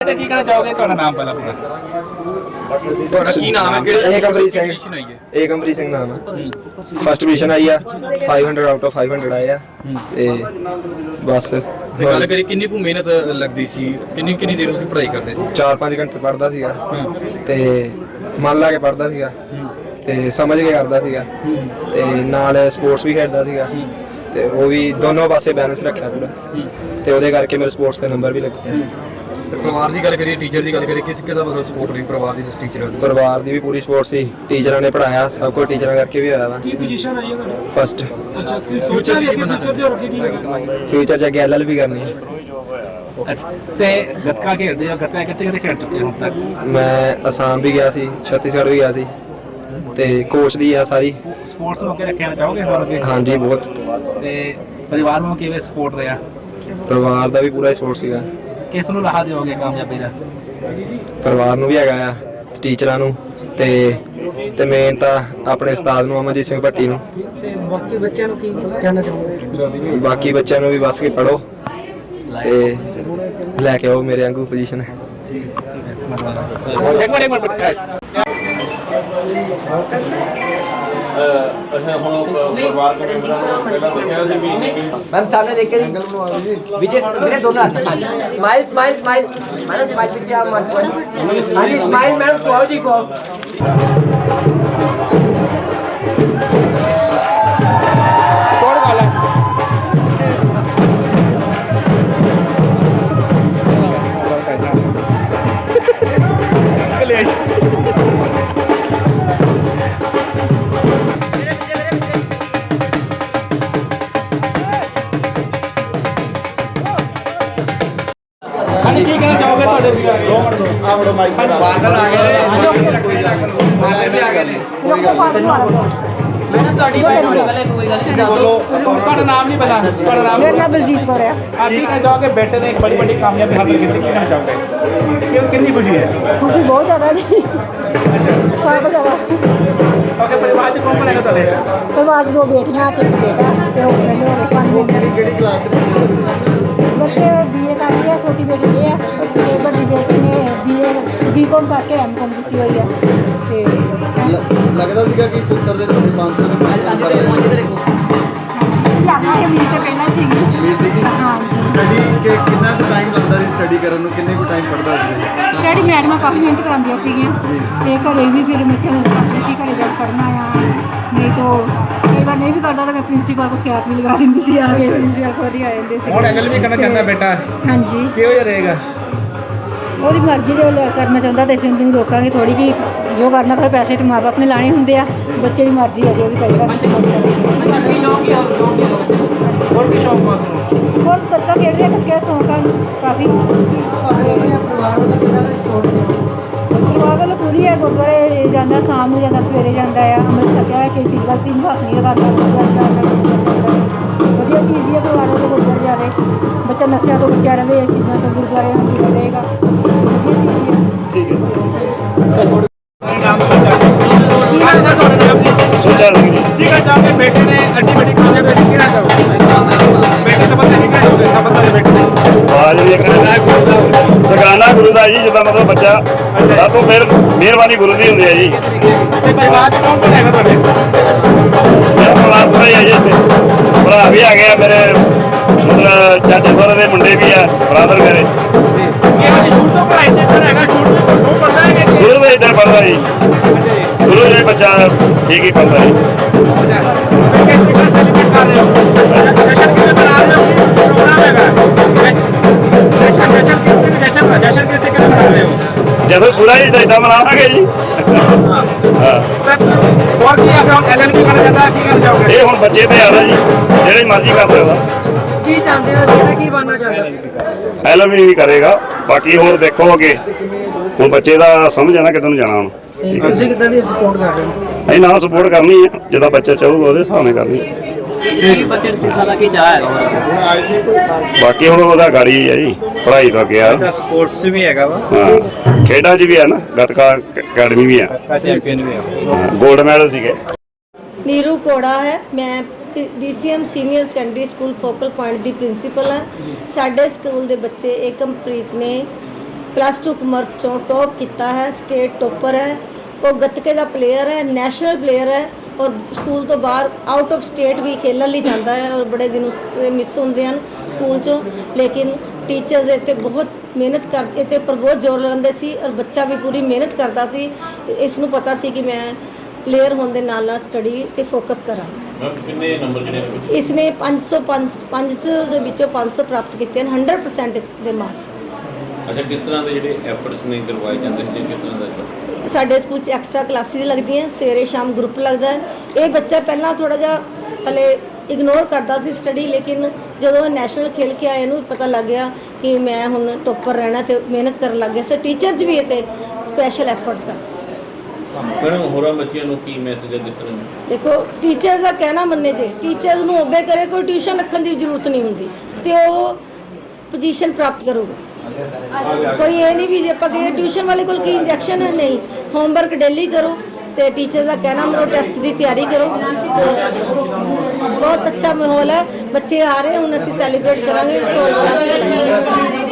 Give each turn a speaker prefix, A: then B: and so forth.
A: ਕੀ ਕਹਿਣਾ ਚਾਹੋਗੇ? ਤੁਹਾਡਾ ਨਾਮ ਪਹਿਲਾਂ ਪੂਰਾ, ਤੁਹਾਡਾ ਕੀ ਨਾਮ ਹੈ? ਕਿਹੜੇ
B: ਏਕਮਪ੍ਰੀਤ ਸਿੰਘ, ਏਕਮਪ੍ਰੀਤ ਸਿੰਘ ਨਾਮ ਹੈ। ਫਸਟ ਪੋਜੀਸ਼ਨ ਆਈ ਆ, 500 ਆਊਟ ਆਫ 500 ਆਏ ਆ ਤੇ ਬਸ।
A: ਗੱਲ ਕਰੀ ਕਿੰਨੀ ਕੁ ਮਿਹਨਤ ਲੱਗਦੀ ਸੀ, ਕਿੰਨੀ ਕਿੰਨੀ ਦੇਰ ਤੁਸੀਂ ਪੜ੍ਹਾਈ ਕਰਦੇ ਸੀ?
B: 4-5 ਘੰਟੇ ਪੜ੍ਹਦਾ ਸੀਗਾ ਤੇ ਮਨ ਲਾ ਕੇ ਪੜ੍ਹਦਾ ਸੀਗਾ ਤੇ ਸਮਝ ਕੇ ਕਰਦਾ ਸੀਗਾ ਤੇ ਨਾਲ ਸਪੋਰਟਸ ਵੀ ਖੇਡਦਾ ਸੀਗਾ ਤੇ ਉਹ ਵੀ ਦੋਨੋਂ ਪਾਸੇ ਬੈਲੈਂਸ ਰੱਖਿਆ ਪੂਰਾ ਤੇ ਉਹਦੇ ਕਰਕੇ ਮੇਰੇ ਸਪੋਰਟਸ ਦੇ ਨੰਬਰ ਵੀ ਲੱਗੇ।
A: ਤੇ ਪਰਿਵਾਰ ਦੀ ਗੱਲ ਕਰੀਏ, ਟੀਚਰ ਦੀ ਗੱਲ ਕਰੀਏ, ਕਿਸ ਕਿਹਦਾ ਮਤਲਬ ਸਪੋਰਟ ਰਹੀ ਪਰਿਵਾਰ ਦੀ? ਟੀਚਰ
B: ਪਰਿਵਾਰ ਦੀ ਵੀ ਪੂਰੀ ਸਪੋਰਟ ਸੀ, ਟੀਚਰਾਂ ਨੇ ਪੜ੍ਹਾਇਆ, ਸਭ ਕੁਝ ਟੀਚਰਾਂ ਕਰਕੇ ਵੀ ਹੋਇਆ ਵਾ।
C: ਕੀ ਪੋਜੀਸ਼ਨ ਆਈ ਹੈ ਤੁਹਾਡੀ?
B: ਫਸਟ।
C: ਅੱਛਾ, ਕੀ ਸੋਚਿਆ ਵੀ ਅੱਗੇ ਫਿਊਚਰ ਦੇ ਹੋਰ ਕੀ ਹੈਗਾ?
B: ਫਿਊਚਰ 'ਚ ਅੱਗੇ LLB ਕਰਨੀ ਹੈ।
A: ਤੇ ਗੱਤਕਾ ਖੇਡਦੇ ਆ, ਗੱਤਕਾ ਕਿੱਥੇ ਖੇਡ ਚੁੱਕੇ ਹੁਣ ਤੱਕ?
B: ਮੈਂ ਅਸਾਮ ਵੀ ਗਿਆ ਸੀ, ਛੱਤੀਸਗੜ੍ਹ ਵੀ ਗਿਆ ਸੀ ਤੇ ਕੋਚ ਦੀ ਆ ਸਾਰੀ।
A: ਸਪੋਰਟਸ ਨੂੰ ਅੱਗੇ ਰੱਖਣਾ ਚਾਹੋਗੇ ਹੋਰ ਅੱਗੇ?
B: ਹਾਂਜੀ ਬਹੁਤ।
A: ਤੇ ਪਰਿਵਾਰ ਨੂੰ ਕਿਵੇਂ ਸਪੋਰਟ ਰਿਹਾ?
B: ਪਰਿਵਾਰ ਦਾ ਵੀ ਪੂਰਾ ਸਪੋਰਟ ਸੀਗਾ।
A: ਕਿਸ ਨੂੰ ਲਾਹਾ ਦਿਓਗੇ ਕਾਮਯਾਬੀ ਦਾ?
B: ਪਰਿਵਾਰ ਨੂੰ ਵੀ ਹੈਗਾ ਆ, ਟੀਚਰਾਂ ਨੂੰ ਤੇ ਮੇਨ ਤਾਂ ਆਪਣੇ ਉਸਤਾਦ ਨੂੰ, ਅਮਨਜੀਤ ਸਿੰਘ ਭੱਟੀ ਨੂੰ।
C: ਤੇ ਬਾਕੀ ਬੱਚਿਆਂ ਨੂੰ ਕੀ ਕਹਿਣਾ ਚਾਹੋਗੇ?
B: ਬਾਕੀ ਬੱਚਿਆਂ ਨੂੰ ਵੀ ਬਸ ਕੇ ਪੜ੍ਹੋ ਤੇ ਲੈ ਕੇ ਆਓ ਮੇਰੇ ਵਾਂਗੂ ਪੋਜੀਸ਼ਨ।
A: ਅੱਛਾ, ਹੁਣ ਪਰਿਵਾਰ ਦੇ ਮੈਂਬਰਾਂ ਪਹਿਲਾਂ ਦੱਸਿਆ ਸੀ ਵੀ
D: मैम सामने देख के विजय मेरे दोनों हाथ smile smile smile madam smile पीछे आप मत हाँ जी स्माइल मैडम को जी को
A: ਕੀ ਕਹਿਣਾ ਚਾਹੋਗੇ? ਤੁਹਾਡੇ ਆ ਬੜੋ ਮਾਈਕ ਬਾਦਲ ਆ ਗਏ।
D: मैडम ਤੁਹਾਡੀ ਪਹਿਲੇ ਕੋਈ ਗੱਲ ਨਹੀਂ
A: ਬੋਲੋ, ਤੁਹਾਡਾ ਨਾਮ ਨਹੀਂ ਪਤਾ? ਤੁਹਾਡਾ ਨਾਮ?
E: मेरा नाम बलजीत कौर है।
A: आप ਕੀ ਕਹਿਣਾ ਚਾਹੋਗੇ? ਬੇਟੇ ਨੇ ਇੱਕ ਬੜੀ ਕਾਮਯਾਬੀ ਹਾਸਲ ਕੀਤੀ, ਕੀ ਕਹਿਣਾ ਚਾਹੋਗੇ? ਕਿੰਨੀ ਖੁਸ਼ੀ ਹੈ?
E: खुशी बहुत ज़्यादा जी, सारा ज़्यादा।
A: ਓਕੇ, ਪਰਿਵਾਰ ਚ ਕੌਣ ਕੌਣ ਹੈਗਾ ਤੁਹਾਡੇ?
E: परिवार की 2 बेटियां ते 1 बेटा ते हो गए 5 मेंबर। बच्चे BA कर रही है, छोटी बेटी ये है ते बड़ी बेटी ने BA B.Com करके M.Com की हुई है ते
F: ਲੱਗਦਾ ਸੀਗਾ ਕਿ ਪੁੱਤਰ ਦੇ ਤੁਹਾਡੇ 500 ਸਟੱਡੀ ਕਿ ਕਿੰਨਾ ਕੁ ਟਾਈਮ ਲੱਗਦਾ ਸੀ ਸਟੱਡੀ ਕਰਨ ਨੂੰ? ਕਿੰਨੇ ਕੁ ਟਾਈਮ ਪੜ੍ਹਦਾ ਸੀ?
E: स्टडी मैडम काफ़ी मेहनत करांदियां सीगियां ते घरे भी फिर बच्चों को करते सी, घरे जाके पढ़ना आ, नहीं तो कई बार नहीं भी करता तो मैं प्रिंसीपल को शिकायत भी लगा देंदी सी, आके प्रिंसीपल को आ जाते सी।
A: ਹੁਣ LLB ਕਰਨਾ ਚਾਹੁੰਦਾ ਬੇਟਾ?
E: हाँ जी,
A: ਕਿਹੋ ਜਿਹਾ ਰਹੇਗਾ?
E: ਉਹਦੀ ਮਰਜ਼ੀ ਜੋ ਕਰਨਾ ਚਾਹੁੰਦਾ ਤੇ ਅਸੀਂ ਉਹਨੂੰ ਰੋਕਾਂਗੇ ਥੋੜੀ ਕਿ ਜੋ ਕਰਨਾ ਫਿਰ ਪੈਸੇ ਤੇ ਮਾਂ ਬਾਪ ਨੇ ਲਾਣੇ ਹੁੰਦੇ ਆ, ਬੱਚੇ ਦੀ ਮਰਜ਼ੀ ਹੈ ਜੋ ਵੀ ਕਰੇਗਾ।
A: ਹੋਰ ਕੀ ਸ਼ੌਕ ਪਾਸ ਨੂੰ?
E: ਹੋਰ ਗੱਤਕਾ ਖੇਡਦੇ ਆ, ਗੱਤਕੇ ਦਾ ਸ਼ੌਂਕ ਆ ਕਾਫੀ। ਪਰਿਵਾਰ ਵੱਲੋਂ ਪੂਰੀ ਹੈ, ਗੁਰਦੁਆਰੇ ਜਾਂਦਾ, ਸ਼ਾਮ ਨੂੰ ਜਾਂਦਾ, ਸਵੇਰੇ ਜਾਂਦਾ ਆ, ਅੰਮ੍ਰਿਤ ਛਕਿਆ ਹੈ, ਕਿਸੇ ਚੀਜ਼ ਵੱਲ ਚੀਜ਼ ਹੱਥ ਨਹੀਂ ਲਗਾਉਂਦਾ, ਗੁਰਦੁਆਰੇ ਜਾਂਦਾ। ਵਧੀਆ ਚੀਜ਼ ਹੀ ਹੈ, ਪਰਿਵਾਰ ਵੱਲੋਂ ਗੁਰਦੁਆਰੇ ਜਾਵੇ, ਬੱਚਾ ਨਸ਼ਿਆਂ ਤੋਂ ਬਚਿਆ ਰਹੇ, ਇਸ ਚੀਜ਼ਾਂ ਤੋਂ ਗੁਰਦੁਆਰੇ ਨੂੰ ਜੁੜਿਆ ਰਹੇਗਾ, ਵਧੀਆ ਚੀਜ਼ ਹੈ।
A: ਠੀਕ ਹੈ। ਨਾਮ ਸੋਚਾ ਸੀ, ਕੀ ਕਹਿਣਾ ਤੁਹਾਡੇ ਨਾਮ?
F: ਸੋਚਿਆ ਸੀ
A: ਕੀ ਕਹਿਣਾ ਚਾਹੋਗੇ? ਬੇਟੇ ਨੇ ਅੱਡੀ ਵੱਡੀ ਕਾਮਯਾਬੀ ਕੀ ਕਹਿਣਾ ਚਾਹੋਗੇ? ਬੇਟੇ ਸੰਬੰਧ ਕੀ ਕਹਿਣਾ ਚਾਹੋਗੇ? ਸੰਬੰਧ ਦੇ ਬੇਟੇ
F: ਸਗਰਾਨਾ ਗੁਰੂ ਦਾ ਜੀ, ਜਿੱਦਾਂ ਮਤਲਬ ਬੱਚਾ ਸਭ ਤੋਂ ਮਿਹਰਬਾਨੀ ਗੁਰੂ ਦੀ ਹੁੰਦੀ ਹੈ ਜੀ।
A: ਤੇ ਪਰਿਵਾਰ ਚ ਕੌਣ ਕੌਣ ਹੈਗਾ ਤੁਹਾਡੇ?
F: ਮੇਰਾ ਪਰਿਵਾਰ ਪੂਰਾ ਹੀ ਹੈ ਜੀ, ਇੱਥੇ ਭਰਾ ਵੀ ਆ ਗਏ ਆ ਮੇਰੇ, ਮਤਲਬ ਚਾਚੇ ਸਹੁਰੇ ਦੇ ਮੁੰਡੇ ਵੀ ਆ, ਬਰਾਦਰ ਮੇਰੇ।
A: ਕੀ ਹਾਲ ਸ਼ੁਰੂ ਤੋਂ ਪੜ੍ਹਾਈ ਚ ਇੱਧਰ ਹੈਗਾ? ਸ਼ੁਰੂ ਤੋਂ ਪੜ੍ਹਦਾ ਹੈ ਕਿ
F: ਸ਼ੁਰੂ ਤੋਂ ਇੱਧਰ ਪੜ੍ਹਦਾ ਜੀ, ਸ਼ੁਰੂ ਤੋਂ ਹੀ ਬੱਚਾ ਠੀਕ ਹੀ ਪੜ੍ਹਦਾ ਜੀ।
A: ਕਿਸ ਤਰ੍ਹਾਂ ਸੈਲੀਬ੍ਰੇਟ ਕਰ ਰਹੇ ਹੋ? ਜਸ਼ਨ ਕਿਵੇਂ ਮਨਾ ਰਹੇ ਹੋ? ਪ੍ਰੋਗਰਾਮ ਹੈਗਾ ਜਸ਼ਨ ਕਿਸ ਤਰੀਕੇ ਨਾਲ ਮਨਾ ਰਹੇ ਹੋ?
F: ਜਦੋਂ ਪੂਰਾ ਹੀ ਇਦਾਂ ਮਨਾਵਾਂਗੇ ਜੀ। ਹਾਂ,
A: ਹੋਰ ਕੀ ਆ? ਹੁਣ LLB ਕਰਨਾ ਚਾਹੁੰਦਾ, ਕੀ ਕਰਨਾ ਚਾਹੋਗੇ?
F: ਇਹ ਹੁਣ ਬੱਚੇ ਤੇ ਆਦਾ ਜੀ, ਜਿਹੜੇ ਮਰਜ਼ੀ ਕਰ ਸਕਦਾ।
C: ਕੀ ਚਾਹੁੰਦੇ ਹੋ? ਜਿਹੜਾ ਕੀ ਬਣਨਾ ਚਾਹੁੰਦੇ?
F: LLB ਵੀ ਕਰੇਗਾ, ਬਾਕੀ ਹੋਰ ਦੇਖੋ ਅੱਗੇ, ਹੁਣ ਬੱਚੇ ਦਾ ਸਮਝ ਆ ਨਾ ਕਿਤੇ ਨੂੰ ਜਾਣਾ ਹੁਣ।
C: ਤੁਸੀਂ ਕਿੱਦਾਂ ਦੀ ਸਪੋਰਟ ਕਰ ਰਹੇ ਹੋ?
F: ਅਸੀਂ ਨਾਲ ਸਪੋਰਟ ਕਰਨੀ ਆ, ਜਿੱਦਾਂ ਬੱਚਾ ਚਾਹੂਗਾ ਉਹਦੇ ਹਿਸਾਬ ਨਾਲ ਕਰਨੀ।
D: ਬੱਚੇ ਨੂੰ ਸਿਖਾਣਾ ਕੀ ਚਾਹ ਹੈ
F: ਬਾਕੀ ਹੁਣ ਉਹਦਾ ਗਾੜੀ ਹੈ ਜੀ, ਪੜ੍ਹਾਈ ਤੋਂ ਗਿਆ।
A: ਸਪੋਰਟਸ ਵੀ ਹੈਗਾ ਵਾ,
F: ਹਾਂ, ਖੇਡਾਂ 'ਚ ਵੀ ਆ ਨਾ, ਗੱਤਕਾ ਅਕੈਡਮੀ ਵੀ ਆ,
A: ਚੈਂਪੀਅਨ ਵੀ ਆ।
F: ਗੋਲਡ ਮੈਡਲ ਸੀਗੇ।
E: नीरू कोड़ा है, मैं DCM senior secondary school focal point की प्रिंसीपल हाँ। साढ़े स्कूल के बच्चे एकमप्रीत ने
G: +2 ਕਮਰਸ ਚੋਂ ਟੌਪ ਕੀਤਾ ਹੈ, ਸਟੇਟ ਟੋਪਰ ਹੈ। ਉਹ ਗੱਤਕੇ ਦਾ ਪਲੇਅਰ ਹੈ, ਨੈਸ਼ਨਲ ਪਲੇਅਰ ਹੈ ਔਰ ਸਕੂਲ ਤੋਂ ਬਾਹਰ ਆਊਟ ਆਫ ਸਟੇਟ ਵੀ ਖੇਲਣ ਲਈ ਜਾਂਦਾ ਹੈ ਔਰ ਬੜੇ ਦਿਨ ਮਿਸ ਹੁੰਦੇ ਹਨ ਸਕੂਲ ਚੋਂ। ਲੇਕਿਨ ਟੀਚਰਸ ਇੱਥੇ ਬਹੁਤ ਮਿਹਨਤ ਕਰਦੇ ਤੇ ਪਰ ਬਹੁਤ ਜ਼ੋਰ ਲਾਉਂਦੇ ਸੀ ਔਰ ਬੱਚਾ ਵੀ ਪੂਰੀ ਮਿਹਨਤ ਕਰਦਾ ਸੀ। ਇਸ ਨੂੰ ਪਤਾ ਸੀ ਕਿ ਮੈਂ ਪਲੇਅਰ ਹੋਣ ਦੇ ਨਾਲ ਨਾਲ ਸਟੱਡੀ ਤੇ ਫੋਕਸ ਕਰਾਂ।
H: ਕਿੰਨੇ ਨੰਬਰ ਜਿਹੜੇ
G: ਇਸ ਨੇ 500 ਦੇ ਵਿੱਚੋਂ 500 ਪ੍ਰਾਪਤ ਕੀਤੇ ਹਨ, 100% ਇਸ ਦੇ ਮਾਰਕਸ।
H: ਅੱਛਾ, ਕਿਸ ਤਰ੍ਹਾਂ ਦੇ ਜਿਹੜੇ ਐਫਰਟਸ ਨਹੀਂ ਕਰਵਾਏ ਜਾਂਦੇ ਸੀ, ਕਿਸ ਤਰ੍ਹਾਂ ਦਾ?
G: ਸਾਡੇ ਸਕੂਲ 'ਚ ਐਕਸਟਰਾ ਕਲਾਸਿਸ ਲੱਗਦੀਆਂ, ਸਵੇਰੇ ਸ਼ਾਮ ਗਰੁੱਪ ਲੱਗਦਾ ਹੈ। ਇਹ ਬੱਚਾ ਪਹਿਲਾਂ ਥੋੜਾ ਜਿਹਾ ਹਲੇ ਇਗਨੋਰ ਕਰਦਾ ਸੀ ਸਟੱਡੀ, ਲੇਕਿਨ ਜਦੋਂ ਨੈਸ਼ਨਲ ਖੇਲ ਕੇ ਆਏ ਇਹਨੂੰ ਪਤਾ ਲੱਗ ਗਿਆ ਕਿ ਮੈਂ ਹੁਣ ਟੋਪਰ ਰਹਿਣਾ ਤੇ ਮਿਹਨਤ ਕਰਨ ਲੱਗ ਗਿਆ। ਸੋ ਟੀਚਰਸ ਵੀ ਇਹ ਤੇ ਸਪੈਸ਼ਲ ਐਫਰਟਸ ਕਰਦੇ ਸੀ।
H: ਮੈਡਮ, ਹੋਰਾਂ ਬੱਚਿਆਂ ਨੂੰ ਕੀ ਮੈਸੇਜ ਹੈ ਜਿਸ ਤਰ੍ਹਾਂ
G: ਦੇਖੋ, ਟੀਚਰਸ ਦਾ ਕਹਿਣਾ ਮੰਨੇ ਜੇ ਟੀਚਰਸ ਨੂੰ ਓਬੇ ਕਰੇ, ਕੋਈ ਟਿਊਸ਼ਨ ਰੱਖਣ ਦੀ ਜ਼ਰੂਰਤ ਨਹੀਂ ਹੁੰਦੀ ਤੇ ਉਹ ਪੋਜੀਸ਼ਨ ਪ੍ਰਾਪਤ ਕਰੂਗਾ। ਕੋਈ ਇਹ ਨਹੀਂ ਵੀ ਜੇ ਆਪਾਂ ਕਹੀਏ ਟਿਊਸ਼ਨ ਵਾਲੇ ਕੋਲ ਕੀ ਇੰਜੈਕਸ਼ਨ ਹੈ, ਨਹੀਂ। ਹੋਮਵਰਕ ਡੇਲੀ ਕਰੋ ਤੇ ਟੀਚਰ ਦਾ ਕਹਿਣਾ ਮੰਨੋ, ਟੈਸਟ ਦੀ ਤਿਆਰੀ ਕਰੋ। ਬਹੁਤ ਅੱਛਾ ਮਾਹੌਲ ਹੈ, ਬੱਚੇ ਆ ਰਹੇ ਹੁਣ ਅਸੀਂ ਸੈਲੀਬ੍ਰੇਟ ਕਰਾਂਗੇ।